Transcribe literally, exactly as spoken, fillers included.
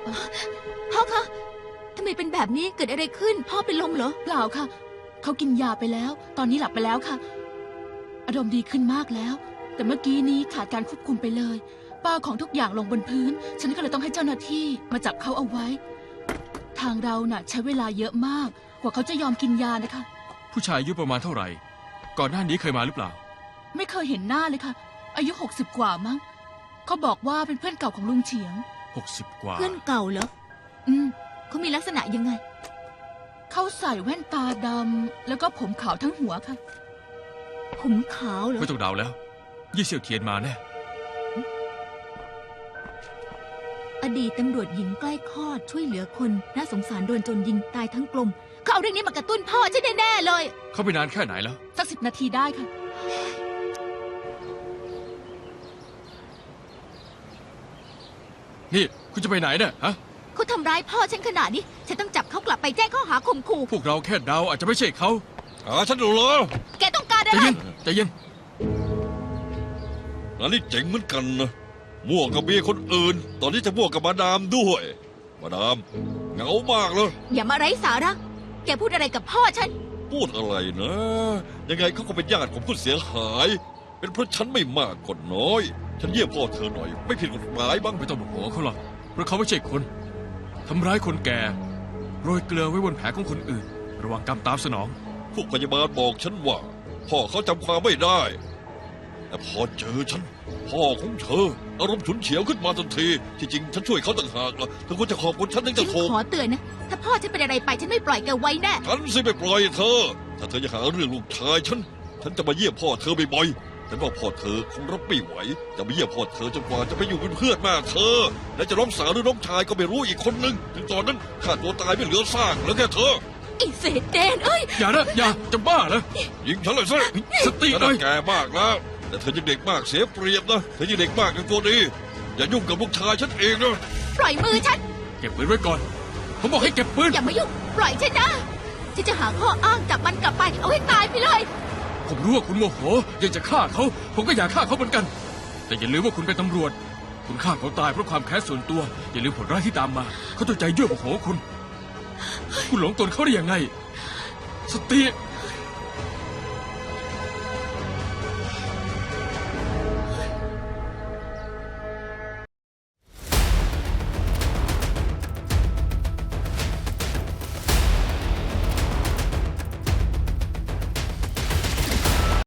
พ่อคะทำไมเป็นแบบนี้เกิดอะไรขึ้นพ่อเป็นลมเหรอเปล่าค่ะเขากินยาไปแล้วตอนนี้หลับไปแล้วค่ะอารมณ์ดีขึ้นมากแล้วแต่เมื่อกี้นี้ขาดการควบคุมไปเลยป้าของทุกอย่างลงบนพื้นฉันก็เลยต้องให้เจ้าหน้าที่มาจับเขาเอาไว้ทางเราน่ะใช้เวลาเยอะมากกว่าเขาจะยอมกินยานะคะผู้ชายอายุประมาณเท่าไหร่ก่อนหน้านี้เคยมาหรือเปล่าไม่เคยเห็นหน้าเลยค่ะอายุหกสิบกว่ามั้งเขาบอกว่าเป็นเพื่อนเก่าของลุงเฉียงหกสิบกว่าเพื่อนเก่าเหรออืมเขามีลักษณะยังไงเขาใส่แว่นตาดำแล้วก็ผมขาวทั้งหัวค่ะผมขาวเหรอไม่ต้องเดาแล้วยี่เสี่ยวเทียนมาแน่อดีตตำรวจหญิงใกล้คลอดช่วยเหลือคนน่าสงสารโดนโจรยิงตายทั้งกลมเขาเอาเรื่องนี้มากระตุ้นพ่อฉันแน่ๆเลยเขาไปนานแค่ไหนแล้วสักสิบนาทีได้ค่ะนี่คุณจะไปไหนเนี่ยฮะเขาทำร้ายพ่อฉันขนาดนี้ฉันต้องจับเขากลับไปแจ้งข้อหาข่มขู่พวกเราแค่เดาอาจจะไม่ใช่เขาอ๋อฉันรู้แล้วแกต้องการอะไรใจเย็นใจเย็นอันนี้เจ๋งเหมือนกันนะมั่วกับเมียคนอื่นตอนนี้จะมั่วกับมาดามด้วยมาดามเหงามากเลยอย่ามาไร้สาระแกพูดอะไรกับพ่อฉันพูดอะไรนะยังไงเขาก็เป็นญาติของผู้เสียหายเป็นเพราะฉันไม่มากก็น้อยฉันเยี่ยมพ่อเธอหน่อยไม่ผิดกฎหมายบ้างไม่ต้องโมโหเขาหรอกเพราะเขาไม่ใช่คนทำร้ายคนแก่โรยเกลือไว้บนแผลของคนอื่นระวังกรรมตามสนองพวกพยาบาลบอกฉันว่าพ่อเขาจำความไม่ได้แต่พอเจอฉันพ่อของเธออารมณ์ฉุนเฉียวขึ้นมาทันทีที่จริงฉันช่วยเขาต่างหากล่ะเธอควรจะขอบคุณฉันถึงจะถูกขอเตือนนะถ้าพ่อฉันเป็นอะไรไปฉันไม่ปล่อยแกไว้แน่ฉันสิไม่ปล่อยเธอถ้าเธอจะหาเรื่องลูกชายฉันฉันจะมาเยี่ยมพ่อเธอบ่อยๆฉันว่าพ่อเธอคงรับไม่ไหวจะมาเยี่ยมพ่อเธอจนกว่าจะไปอยู่เป็นเพื่อนแม่เธอและจะน้องสาวหรือน้องชายก็ไม่รู้อีกคนนึงถึงตอนนั้นข้าตัวตายไม่เหลือซากแล้วแค่เธอไอ้เศษเดนเอ้ยอย่านะอย่าจะบ้าเหรอยิงฉันเลยสิสติหน่อยแกมากแล้วแต่เธอยังเด็กมากเสียเปรียบนะเธอยังเด็กมากกันตัวดีอย่ายุ่งกับลูกชายฉันเองนะปล่อยมือฉันเก็บปืนไว้ก่อนผมบอกให้เก็บปืนอย่ามายุ่งปล่อยฉันนะฉันจะหาข้ออ้างจับมันกลับไปเอาให้ตายไปเลยผมรู้ว่าคุณโมโหอยากจะฆ่าเขาผมก็อยากฆ่าเขาเหมือนกันแต่อย่าลืมว่าคุณเป็นตำรวจคุณฆ่าเขาตายเพราะความแค้นส่วนตัวอย่าลืมผลร้ายที่ตามมาเขาตัวใจยั่วโมโหคุณคุณหลงกลเขาได้ยังไงสติ